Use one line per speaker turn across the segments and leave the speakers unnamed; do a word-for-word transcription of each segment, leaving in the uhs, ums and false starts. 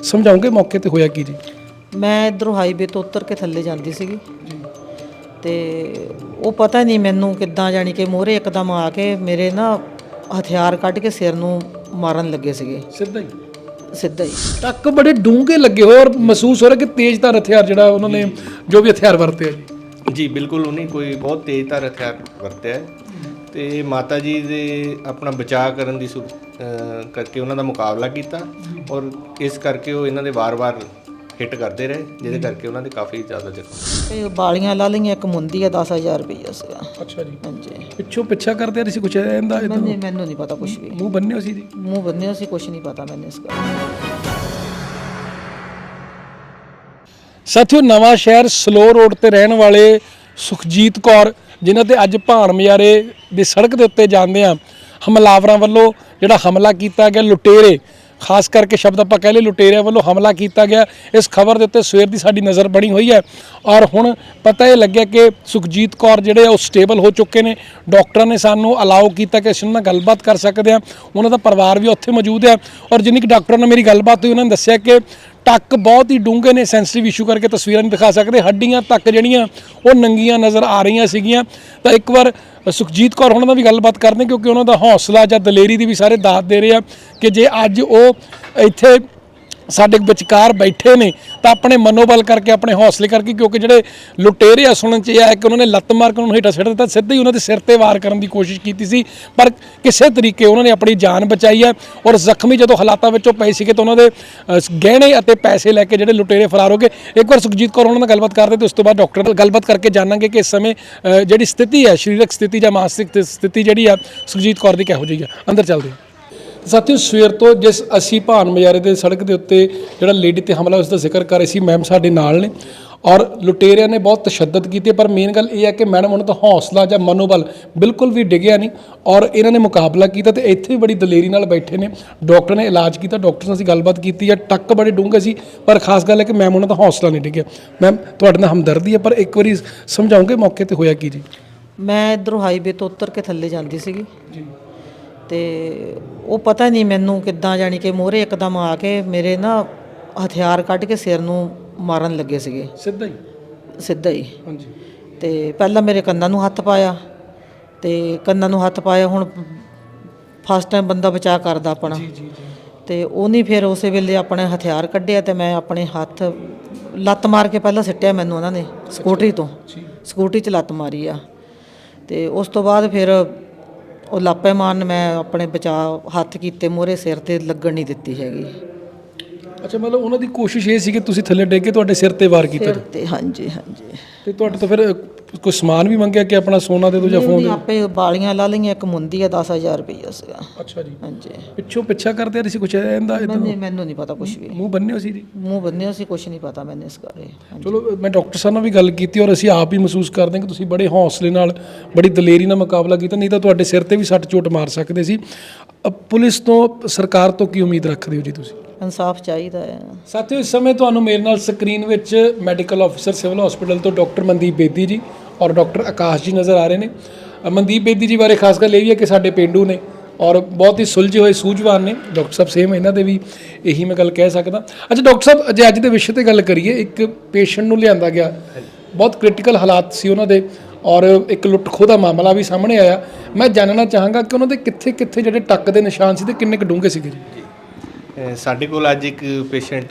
ਸਮਝਾਉਂਗੇ ਮੌਕੇ ਤੇ ਹੋਇਆ ਕੀ ਜੀ?
ਮੈਂ ਇੱਧਰੋਂ ਹਾਈਵੇ ਤੋਂ ਉਤਰ ਕੇ ਥੱਲੇ ਜਾਂਦੀ ਸੀਗੀ ਤੇ ਉਹ ਪਤਾ ਨਹੀਂ ਮੈਨੂੰ ਕਿੱਦਾਂ ਜਾਣੀ ਕਿ ਮੋਹਰੇ ਇੱਕਦਮ ਆ ਕੇ ਮੇਰੇ ਨਾ ਹਥਿਆਰ ਕੱਢ ਕੇ ਸਿਰ ਨੂੰ ਮਾਰਨ ਲੱਗੇ ਸੀਗੇ।
ਸਿੱਧਾ ਹੀ
ਸਿੱਧਾ ਹੀ
ਟੱਕ ਬੜੇ ਡੂੰਘੇ ਲੱਗੇ ਹੋਏ ਔਰ ਮਹਿਸੂਸ ਹੋ ਰਿਹਾ ਕਿ ਤੇਜ਼ਧਾਰ ਹਥਿਆਰ ਜਿਹੜਾ ਉਹਨਾਂ ਨੇ ਜੋ ਵੀ ਹਥਿਆਰ ਵਰਤਿਆ ਜੀ।
ਜੀ ਬਿਲਕੁਲ ਉਹਨੇ ਕੋਈ ਬਹੁਤ ਤੇਜ਼ਧਾਰ ਹਥਿਆਰ ਵਰਤਿਆ ਹੈ ਤੇ ਮਾਤਾ ਜੀ ਦੇ ਆਪਣਾ ਬਚਾਅ ਕਰਨ ਦੀ ਸੁ ਅ, ਕਰਕੇ ਉਹਨਾਂ ਦਾ ਮੁਕਾਬਲਾ ਕੀਤਾ ਔਰ ਇਸ ਕਰਕੇ ਉਹ ਇਹਨਾਂ ਦੇ ਵਾਰ-ਵਾਰ ਹਿੱਟ ਕਰਦੇ ਰਹੇ ਜਿਹਦੇ ਕਰਕੇ ਉਹਨਾਂ ਦੇ ਕਾਫੀ ਜ਼ਿਆਦਾ ਜ਼ਖਮ।
ਇਹ ਬਾਲੀਆਂ ਲਾ ਲਈਆਂ, ਇੱਕ ਮੁੰਦੀ ਆ ਦਸ ਹਜ਼ਾਰ ਰੁਪਈਆ ਸੀਗਾ।
ਅੱਛਾ ਜੀ।
ਹਾਂਜੀ
ਪਿੱਛੋਂ ਪਿੱਛਾ ਕਰਦੇ ਆ ਤੁਸੀਂ ਕੁਛ ਇਹਦਾ
ਮੈਨੂੰ ਮੈਨੂੰ ਨਹੀਂ ਪਤਾ ਕੁਝ ਵੀ।
ਮੂੰਹ ਬੰਨਿਓ ਸੀ ਜੀ?
ਮੂੰਹ ਬੰਨਿਆ ਸੀ, ਕੁਝ ਨਹੀਂ ਪਤਾ ਮੈਨੂੰ ਇਸ ਗੱਲ।
ਸਾਥੀਓ, ਨਵਾਂ ਸ਼ਹਿਰ ਸਲੋ ਰੋਡ ਤੇ ਰਹਿਣ ਵਾਲੇ ਸੁਖਜੀਤ ਕੌਰ ਜਿਨ੍ਹਾਂ ਤੇ ਅੱਜ ਭਾਣ ਮਜਾਰੇ ਦੀ ਸੜਕ ਦੇ ਉੱਤੇ ਜਾਂਦੇ ਆ ਹਮਲਾਵਰਾਂ ਵੱਲੋਂ ਜਿਹੜਾ ਹਮਲਾ ਕੀਤਾ ਗਿਆ, ਲੁਟੇਰੇ ਖਾਸ ਕਰਕੇ ਸ਼ਬਦ ਆਪਾਂ ਕਹਿ ਲਏ ਲੁਟੇਰਿਆਂ ਵੱਲੋਂ ਹਮਲਾ ਕੀਤਾ ਗਿਆ, ਇਸ ਖਬਰ ਦੇ ਉੱਤੇ ਸਵੇਰ ਦੀ ਸਾਡੀ ਨਜ਼ਰ ਬਣੀ ਹੋਈ ਹੈ ਔਰ ਹੁਣ ਪਤਾ ਇਹ ਲੱਗਿਆ ਕਿ ਸੁਖਜੀਤ ਕੌਰ ਜਿਹੜੇ ਉਹ ਸਟੇਬਲ ਹੋ ਚੁੱਕੇ ਨੇ। ਡਾਕਟਰਾਂ ਨੇ ਸਾਨੂੰ ਅਲਾਓ ਕੀਤਾ ਕਿ ਅਸੀਂ ਉਹਨਾਂ ਨਾਲ ਗੱਲਬਾਤ ਕਰ ਸਕਦੇ ਹਾਂ, ਉਹਨਾਂ ਦਾ ਪਰਿਵਾਰ ਵੀ ਉੱਥੇ ਮੌਜੂਦ ਹੈ ਔਰ ਜਿੰਨੀ ਕਿ ਡਾਕਟਰਾਂ ਨਾਲ ਮੇਰੀ ਗੱਲਬਾਤ ਹੋਈ ਉਹਨਾਂ ਨੇ ਦੱਸਿਆ ਕਿ ਟੱਕ ਬਹੁਤ ਹੀ ਡੂੰਘੇ ਨੇ, ਸੈਂਸਿਟਿਵ ਇਸ਼ੂ ਕਰਕੇ ਤਸਵੀਰਾਂ ਨਹੀਂ ਦਿਖਾ ਸਕਦੇ, ਹੱਡੀਆਂ ਤੱਕ ਜਿਹੜੀਆਂ ਉਹ ਨੰਗੀਆਂ ਨਜ਼ਰ ਆ ਰਹੀਆਂ ਸੀਗੀਆਂ। ਤਾਂ ਇੱਕ ਵਾਰ ਸੁਖਜੀਤ ਕੌਰ ਉਹਨਾਂ ਦਾ ਵੀ ਗੱਲਬਾਤ ਕਰਦੇ ਕਿਉਂਕਿ ਉਹਨਾਂ ਦਾ ਹੌਸਲਾ ਜਾਂ ਦਲੇਰੀ ਦੀ ਵੀ ਸਾਰੇ ਦਾਤ ਦੇ ਰਹੇ ਆ ਕਿ ਜੇ ਅੱਜ ਉਹ ਇੱਥੇ ਸਾਡੇ ਵਿਚਕਾਰ ਬੈਠੇ ਨੇ ਤਾਂ ਆਪਣੇ ਮਨੋਬਲ ਕਰਕੇ, ਆਪਣੇ ਹੌਸਲੇ ਕਰਕੇ, ਕਿਉਂਕਿ ਜਿਹੜੇ ਲੁਟੇਰੇ ਆ ਸੁਣਨ 'ਚ ਇਹ ਆਇਆ ਕਿ ਉਹਨਾਂ ਨੇ ਲੱਤ ਮਾਰ ਕੇ ਉਹਨਾਂ ਨੂੰ ਹੇਠਾਂ ਸਿੱਟ ਦਿੱਤਾ, ਸਿੱਧੇ ਹੀ ਉਹਨਾਂ ਦੇ ਸਿਰ ਤੇ ਵਾਰ ਕਰਨ ਦੀ ਕੋਸ਼ਿਸ਼ ਕੀਤੀ ਸੀ ਪਰ ਕਿਸੇ ਤਰੀਕੇ ਉਹਨਾਂ ਨੇ ਆਪਣੀ ਜਾਨ ਬਚਾਈ ਹੈ ਔਰ ਜ਼ਖਮੀ ਜਦੋਂ ਹਾਲਾਤਾਂ ਵਿੱਚੋਂ ਪਏ ਸੀਗੇ ਤਾਂ ਉਹਨਾਂ ਦੇ ਗਹਿਣੇ ਅਤੇ ਪੈਸੇ ਲੈ ਕੇ ਜਿਹੜੇ ਲੁਟੇਰੇ ਫਰਾਰ ਹੋ ਗਏ। ਇੱਕ ਵਾਰ ਸੁਖਜੀਤ ਕੌਰ ਉਹਨਾਂ ਨਾਲ ਗੱਲਬਾਤ ਕਰਦੇ ਤੇ ਉਸ ਤੋਂ ਬਾਅਦ ਡਾਕਟਰ ਨਾਲ ਗੱਲਬਾਤ ਕਰਕੇ ਜਾਣਾਂਗੇ ਕਿ ਇਸ ਸਮੇਂ ਜਿਹੜੀ ਸਥਿਤੀ ਹੈ, ਸਰੀਰਕ ਸਥਿਤੀ ਜਾਂ ਮਾਨਸਿਕ ਸਥਿਤੀ ਜਿਹੜੀ ਆ ਸੁਖਜੀਤ ਕੌਰ ਦੀ ਕਿਹੋ ਜਿਹੀ ਆ। ਅੰਦਰ ਚੱਲਦੇ ਹਾਂ। ਸਾਥੀਓ, ਸਵੇਰ ਤੋਂ ਜਿਸ ਅਸੀਂ ਭਾਣ ਮਜਾਰੇ ਦੇ ਸੜਕ ਦੇ ਉੱਤੇ ਜਿਹੜਾ ਲੇਡੀ ਤੇ ਹਮਲਾ ਉਸ ਦਾ ਜ਼ਿਕਰ ਕਰ ਰਹੇ ਸੀ, ਮੈਮ ਸਾਡੇ ਨਾਲ ਨੇ ਔਰ ਲੁਟੇਰਿਆਂ ਨੇ ਬਹੁਤ ਤਸ਼ੱਦਦ ਕੀਤੀ ਪਰ ਮੇਨ ਗੱਲ ਇਹ ਹੈ ਕਿ ਮੈਡਮ ਉਹਨਾਂ ਦਾ ਹੌਸਲਾ ਜਾਂ ਮਨੋਬਲ ਬਿਲਕੁਲ ਵੀ ਡਿੱਗਿਆ ਨਹੀਂ ਔਰ ਇਹਨਾਂ ਨੇ ਮੁਕਾਬਲਾ ਕੀਤਾ ਤੇ ਇੱਥੇ ਵੀ ਬੜੀ ਦਲੇਰੀ ਨਾਲ ਬੈਠੇ ਨੇ। ਡਾਕਟਰ ਨੇ ਇਲਾਜ ਕੀਤਾ, ਡਾਕਟਰ ਨਾਲ ਅਸੀਂ ਗੱਲਬਾਤ ਕੀਤੀ ਹੈ, ਟੱਕ ਬੜੇ ਡੂੰਘੇ ਸੀ ਪਰ ਖਾਸ ਗੱਲ ਹੈ ਕਿ ਮੈਮ ਉਹਨਾਂ ਦਾ ਹੌਸਲਾ ਨਹੀਂ ਡਿੱਗਿਆ। ਮੈਮ, ਤੁਹਾਡੇ ਨਾਲ ਹਮਦਰਦੀ ਹੈ ਪਰ ਇੱਕ ਵਾਰੀ ਸਮਝਾਉਂਗੇ ਮੌਕੇ ਤੇ ਹੋਇਆ ਕੀ ਜੀ?
ਮੈਂ ਇੱਧਰੋਂ ਹਾਈਵੇ ਤੋਂ ਉਤਰ ਕੇ ਥੱਲੇ ਜਾਂਦੀ ਸੀਗੀ ਤੇ ਉਹ ਪਤਾ ਨਹੀਂ ਮੈਨੂੰ ਕਿੱਦਾਂ ਜਾਣੀ ਕਿ ਮੋਹਰੇ ਇੱਕਦਮ ਆ ਕੇ ਮੇਰੇ ਨਾ ਹਥਿਆਰ ਕੱਢ ਕੇ ਸਿਰ ਨੂੰ ਮਾਰਨ ਲੱਗੇ ਸੀਗੇ।
ਸਿੱਧਾ ਹੀ
ਸਿੱਧਾ ਹੀ
ਹਾਂਜੀ।
ਤੇ ਪਹਿਲਾਂ ਮੇਰੇ ਕੰਨਾਂ ਨੂੰ ਹੱਥ ਪਾਇਆ ਤੇ ਕੰਨਾਂ ਨੂੰ ਹੱਥ ਪਾਇਆ। ਹੁਣ ਫਸਟ ਟਾਈਮ ਬੰਦਾ ਬਚਾਅ ਕਰਦਾ ਆਪਣਾ
ਜੀ ਜੀ
ਤੇ ਉਹ ਨਹੀਂ, ਫਿਰ ਉਸੇ ਵੇਲੇ ਆਪਣੇ ਹਥਿਆਰ ਕੱਢਿਆ ਤੇ ਮੈਂ ਆਪਣੇ ਹੱਥ ਲੱਤ ਮਾਰ ਕੇ ਪਹਿਲਾਂ ਸਿੱਟਿਆ ਮੈਨੂੰ ਉਹਨਾਂ ਨੇ ਸਕੂਟਰੀ ਤੋਂ, ਸਕੂਟਰੀ 'ਚ ਲੱਤ ਮਾਰੀ ਆ ਤੇ ਉਸ ਤੋਂ ਬਾਅਦ ਫਿਰ ਉਹ ਲਾਪੇ ਮਾਰਨ ਮੈਂ ਆਪਣੇ ਬਚਾਅ ਹੱਥ ਕੀਤੇ, ਮੋਹਰੇ ਸਿਰ ਤੇ ਲੱਗਣ ਨਹੀਂ ਦਿੱਤੀ ਹੈਗੀ।
ਅੱਛਾ, ਮਤਲਬ ਉਹਨਾਂ ਦੀ ਕੋਸ਼ਿਸ਼ ਇਹ ਸੀ ਕਿ ਤੁਸੀਂ ਥੱਲੇ ਡਿੱਗ ਕੇ ਤੁਹਾਡੇ ਸਿਰ ਤੇ ਵਾਰ ਕੀਤਾ
ਸਿਰ ਤੇ, ਹਾਂਜੀ ਹਾਂਜੀ।
ਤੇ ਤੁਹਾਡੇ ਤੋਂ ਫਿਰ ਕੋਈ ਸਮਾਨ ਵੀ ਮੰਗਿਆ ਕਿ ਆਪਣਾ ਸੋਨਾ ਦੇ ਦਿਓ ਜਾਂ ਫੋਨ?
ਆਪੇ ਬਾਲੀਆਂ ਲਾ ਲਈਆਂ, ਇੱਕ ਮੁੰਦੀ ਆ ਦਸ ਹਜ਼ਾਰ ਰੁਪਈਆ ਸੀਗਾ।
ਅੱਛਾ ਜੀ।
ਹਾਂਜੀ।
ਪਿੱਛੋਂ ਪਿੱਛਾ ਕਰਦੇ ਆ ਤੁਸੀਂ ਕੁਛ ਇਹਦਾ?
ਮੈਨੂੰ ਮੈਨੂੰ ਨਹੀਂ ਪਤਾ ਕੁਝ ਵੀ।
ਮੂੰਹ ਬੰਨਿਓ ਸੀ ਜੀ?
ਮੂੰਹ ਬੰਨਿਆ ਸੀ, ਕੁਝ ਨਹੀਂ ਪਤਾ ਮੈਨੂੰ ਇਸ ਬਾਰੇ।
ਚਲੋ, ਮੈਂ ਡਾਕਟਰ ਸਾਹਿਬ ਨਾਲ ਵੀ ਗੱਲ ਕੀਤੀ ਔਰ ਅਸੀਂ ਆਪ ਹੀ ਮਹਿਸੂਸ ਕਰਦੇ ਹਾਂ ਕਿ ਤੁਸੀਂ ਬੜੇ ਹੌਸਲੇ ਨਾਲ, ਬੜੀ ਦਲੇਰੀ ਨਾਲ ਮੁਕਾਬਲਾ ਕੀਤਾ, ਨਹੀਂ ਤਾਂ ਤੁਹਾਡੇ ਸਿਰ ਤੇ ਵੀ ਸੱਟ ਚੋਟ ਮਾਰ ਸਕਦੇ ਸੀ। ਪੁਲਿਸ ਤੋਂ, ਸਰਕਾਰ ਤੋਂ ਕੀ ਉਮੀਦ ਰੱਖਦੇ ਹੋ ਜੀ ਤੁਸੀਂ?
ਇਨਸਾਫ ਚਾਹੀਦਾ ਹੈ।
ਸਾਥੀਓ, ਇਸ ਸਮੇਂ ਤੁਹਾਨੂੰ ਮੇਰੇ ਨਾਲ ਸਕਰੀਨ ਵਿੱਚ ਮੈਡੀਕਲ ਆਫਿਸਰ ਸਿਵਲ ਹਸਪੀਟਲ ਤੋਂ ਡਾਕਟਰ ਮਨਦੀਪ ਬੇਦੀ ਜੀ ਔਰ ਡਾਕਟਰ ਆਕਾਸ਼ ਜੀ ਨਜ਼ਰ ਆ ਰਹੇ ਨੇ। ਮਨਦੀਪ ਬੇਦੀ ਜੀ ਬਾਰੇ ਖਾਸ ਗੱਲ ਇਹ ਵੀ ਹੈ ਕਿ ਸਾਡੇ ਪੇਂਡੂ ਨੇ ਔਰ ਬਹੁਤ ਹੀ ਸੁਲਝੇ ਹੋਏ ਸੂਝਵਾਨ ਨੇ। ਡਾਕਟਰ ਸਾਹਿਬ ਸੇਮ ਇਹਨਾਂ ਦੇ ਵੀ ਇਹੀ ਮੈਂ ਗੱਲ ਕਹਿ ਸਕਦਾ। ਅੱਛਾ ਡਾਕਟਰ ਸਾਹਿਬ, ਜੇ ਅੱਜ ਦੇ ਵਿਸ਼ੇ ਤੇ ਗੱਲ ਕਰੀਏ, ਇੱਕ ਪੇਸ਼ੈਂਟ ਨੂੰ ਲਿਆਂਦਾ ਗਿਆ, ਬਹੁਤ ਕ੍ਰਿਟੀਕਲ ਹਾਲਾਤ ਸੀ ਉਹਨਾਂ ਦੇ ਔਰ ਇੱਕ ਲੁੱਟ ਖੋਹ ਦਾ ਮਾਮਲਾ ਵੀ ਸਾਹਮਣੇ ਆਇਆ। ਮੈਂ ਜਾਣਨਾ ਚਾਹਾਂਗਾ ਕਿ ਉਹਨਾਂ ਦੇ ਕਿੱਥੇ ਕਿੱਥੇ ਜਿਹੜੇ ਟੱਕ ਦੇ ਨਿਸ਼ਾਨ ਸੀ ਤੇ ਕਿੰਨੇ ਕੁ ਡੂੰਘੇ ਸੀਗੇ ਜੀ?
ਸਾਡੇ ਕੋਲ ਅੱਜ ਇੱਕ ਪੇਸ਼ੈਂਟ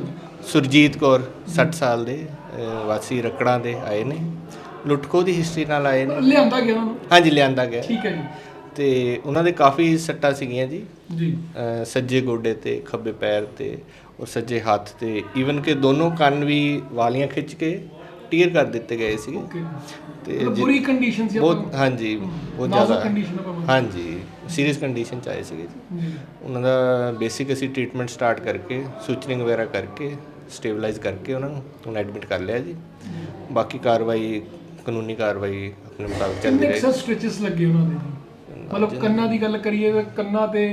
ਸੁਰਜੀਤ ਕੌਰ ਸੱਠ ਸਾਲ ਦੇ ਵਾਸੀ ਰਕੜਾਂ ਦੇ ਆਏ ਨੇ, ਲੁੱਟ ਖੋਹ ਦੀ ਹਿਸਟਰੀ ਨਾਲ ਆਏ ਨੇ।
ਲਿਆਂਦਾ ਗਿਆ ਉਹਨਾਂ ਨੂੰ?
ਹਾਂਜੀ, ਲਿਆਂਦਾ ਗਿਆ।
ਠੀਕ ਹੈ ਜੀ।
ਤੇ ਉਹਨਾਂ ਦੇ ਕਾਫੀ ਸੱਟਾਂ ਸੀਗੀਆਂ ਜੀ
ਜੀ
ਸੱਜੇ ਗੋਡੇ ਤੇ, ਖੱਬੇ ਪੈਰ ਤੇ ਔਰ ਸੱਜੇ ਹੱਥ ਤੇ, ਈਵਨ ਕਿ ਦੋਨੋਂ ਕੰਨ ਵੀ ਵਾਲੀਆਂ ਖਿੱਚ ਕੇ ਟੀਅਰ ਕਰ ਦਿੱਤੇ ਗਏ ਸੀਗੇ ਤੇ
ਬੁਰੀ ਕੰਡੀਸ਼ਨ ਸੀ
ਬਹੁਤ। ਹਾਂਜੀ, ਬਹੁਤ ਜ਼ਿਆਦਾ ਹਾਂਜੀ, ਸੀਰੀਅਸ ਕੰਡੀਸ਼ਨ 'ਚ ਆਏ ਸੀਗੇ ਜੀ। ਉਹਨਾਂ ਦਾ ਬੇਸਿਕ ਅਸੀਂ ਟ੍ਰੀਟਮੈਂਟ ਸਟਾਰਟ ਕਰਕੇ, ਸੂਚਰਿੰਗ ਵਗੈਰਾ ਕਰਕੇ, ਸਟੇਬਲਾਈਜ਼ ਕਰਕੇ ਉਹਨਾਂ ਨੂੰ ਹੁਣ ਐਡਮਿਟ ਕਰ ਲਿਆ ਜੀ। ਬਾਕੀ ਕਾਰਵਾਈ, ਕਾਨੂੰਨੀ ਕਾਰਵਾਈ ਆਪਣੇ ਮੁਤਾਬਕ ਚੱਲ ਰਹੀ ਹੈ।
ਕਿੰਨੇ ਸਟ੍ਰੈਚਸ ਲੱਗੇ ਉਹਨਾਂ ਦੇ? ਮਤਲਬ ਕੰਨਾਂ ਦੀ ਗੱਲ ਕਰੀਏ ਤਾਂ ਕੰਨਾਂ ਤੇ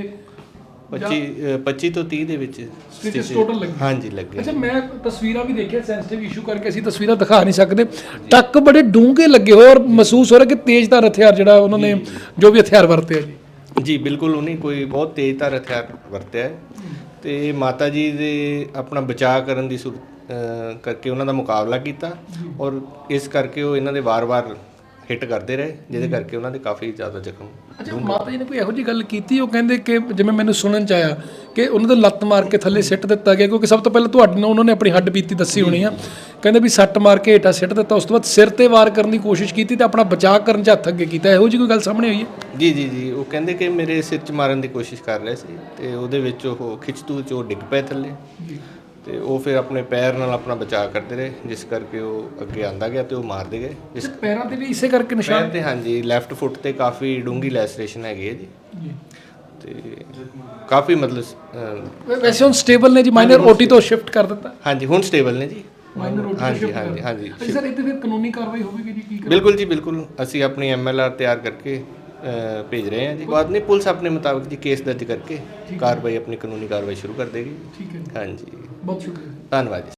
ਪੱਚੀ ਪੱਚੀ ਤੋਂ ਤੀਹ ਦੇ ਵਿੱਚ
ਸਟਿਚਸ ਟੋਟਲ ਲੱਗੇ?
ਹਾਂਜੀ, ਲੱਗੇ।
ਅੱਛਾ, ਮੈਂ ਤਸਵੀਰਾਂ ਵੀ ਦੇਖਿਆ, ਸੈਂਸਿਟਿਵ ਇਸ਼ੂ ਕਰਕੇ ਅਸੀਂ ਤਸਵੀਰਾਂ ਦਿਖਾ ਨਹੀਂ ਸਕਦੇ, ਟੱਕ ਬੜੇ ਡੂੰਘੇ ਲੱਗੇ ਹੋਏ ਔਰ ਮਹਿਸੂਸ ਹੋ ਰਿਹਾ ਕਿ ਤੇਜ਼ਧਾਰ ਹਥਿਆਰ ਜਿਹੜਾ ਉਹਨਾਂ ਨੇ ਜੋ ਵੀ ਹਥਿਆਰ ਵਰਤਿਆ ਜੀ।
ਜੀ ਬਿਲਕੁਲ ਉਹਨੇ ਕੋਈ ਬਹੁਤ ਤੇਜ਼ਧਾਰ ਹਥਿਆਰ ਵਰਤਿਆ ਹੈ ਤੇ ਮਾਤਾ ਜੀ ਦੇ ਆਪਣਾ ਬਚਾਅ ਕਰਨ ਦੀ ਸੁਰ ਅ, ਕਰਕੇ ਉਹਨਾਂ ਦਾ ਮੁਕਾਬਲਾ ਕੀਤਾ ਔਰ ਇਸ ਕਰਕੇ ਉਹ ਇਹਨਾਂ ਦੇ ਵਾਰ-ਵਾਰ ਹਿੱਟ ਕਰਦੇ ਰਹੇ, ਜਿਹਦੇ ਕਰਕੇ ਉਹਨਾਂ ਦੇ ਕਾਫੀ ਜ਼ਿਆਦਾ ਜ਼ਖਮ।
ਅੱਛਾ, ਮਾਤਾ ਜੀ ਨੇ ਕੋਈ ਇਹੋ ਜਿਹੀ ਗੱਲ ਕੀਤੀ? ਉਹ ਕਹਿੰਦੇ ਕਿ ਜਿਵੇਂ ਮੈਨੂੰ ਸੁਣਨ ਚ ਆਇਆ ਕਿ ਉਹਨਾਂ ਦੇ ਲੱਤ ਮਾਰ ਕੇ ਥੱਲੇ ਸਿੱਟ ਦਿੱਤਾ ਗਿਆ, ਕਿਉਂਕਿ ਸਭ ਤੋਂ ਪਹਿਲਾਂ ਤੁਹਾਡੇ ਨਾਲ ਉਹਨਾਂ ਨੇ ਆਪਣੀ ਹੱਡ ਬੀਤੀ ਦੱਸੀ ਹੋਣੀ ਆ। ਕਹਿੰਦੇ ਵੀ ਸੱਟ ਮਾਰ ਕੇ ਹੇਠਾਂ ਸਿੱਟ ਦਿੱਤਾ, ਉਸ ਤੋਂ ਬਾਅਦ ਸਿਰ ਤੇ ਵਾਰ ਕਰਨ ਦੀ ਕੋਸ਼ਿਸ਼ ਕੀਤੀ ਤੇ ਆਪਣਾ ਬਚਾਅ ਕਰਨ ਚ ਹੱਥ ਅੱਗੇ ਕੀਤਾ। ਇਹੋ ਜਿਹੀ ਕੋਈ ਗੱਲ ਸਾਹਮਣੇ ਆਈ ਹੈ?
ਜੀ ਜੀ ਜੀ ਉਹ ਕਹਿੰਦੇ ਕਿ ਮੇਰੇ ਸਿਰ 'ਚ ਮਾਰਨ ਦੀ ਕੋਸ਼ਿਸ਼ ਕਰ ਰਹੇ ਸੀ ਤੇ ਉਹਦੇ ਵਿੱਚ ਉਹ ਖਿੱਚਤੂ 'ਚ ਉਹ ਡਿੱਗ ਪਏ ਥੱਲੇ ਤੇ ਉਹ ਫਿਰ ਆਪਣੇ ਪੈਰ ਨਾਲ ਆਪਣਾ ਬਚਾਅ ਕਰਦੇ ਰਹੇ, ਜਿਸ ਕਰਕੇ ਉਹ ਅੱਗੇ ਆਂਦਾ ਗਿਆ ਤੇ ਉਹ ਮਾਰਦੇ ਗਏ। ਜਿਸ
ਪੈਰਾਂ ਤੇ ਵੀ ਇਸੇ ਕਰਕੇ ਨਿਸ਼ਾਨ?
ਪੈਰ ਤੇ ਹਾਂਜੀ, ਲੈਫਟ ਫੁੱਟ ਤੇ ਕਾਫੀ ਡੂੰਘੀ ਲੈਸਰੇਸ਼ਨ ਹੈਗੀ ਹੈ ਜੀ ਤੇ ਕਾਫੀ ਮਤਲਬ ਅ,
ਵੈਸੇ ਹੁਣ ਸਟੇਬਲ ਨੇ ਜੀ? ਮਾਈਨਰ ਓਟੀ ਤੋਂ ਸ਼ਿਫਟ ਕਰ ਦਿੱਤਾ?
ਹਾਂਜੀ ਹੁਣ ਸਟੇਬਲ ਨੇ ਜੀ।
ਮਾਈਨਰ ਓਟੀ
ਹਾਂਜੀ ਹਾਂਜੀ ਹਾਂਜੀ
ਸਰ, ਇਹ ਤੇ ਫਿਰ ਕਾਨੂੰਨੀ ਕਾਰਵਾਈ ਹੋਵੇਗੀ ਜੀ? ਕੀ
ਬਿਲਕੁਲ ਜੀ ਬਿਲਕੁਲ, ਅਸੀਂ ਆਪਣੀ ਐਮ ਐਲ ਆਰ ਤਿਆਰ ਕਰਕੇ ਅ, ਭੇਜ ਰਹੇ ਹਾਂ ਜੀ। ਬਾਅਦ ਨਹੀਂ, ਪੁਲਿਸ ਆਪਣੇ ਮੁਤਾਬਕ ਜੀ ਕੇਸ ਦਰਜ ਕਰਕੇ ਕਾਰਵਾਈ, ਆਪਣੀ ਕਾਨੂੰਨੀ ਕਾਰਵਾਈ ਸ਼ੁਰੂ ਕਰ ਦੇਗੀ।
ਠੀਕ ਹੈ,
ਹਾਂਜੀ,
ਬਹੁਤ ਸ਼ੁਕਰੀਆ।
ਧੰਨਵਾਦ ਜੀ।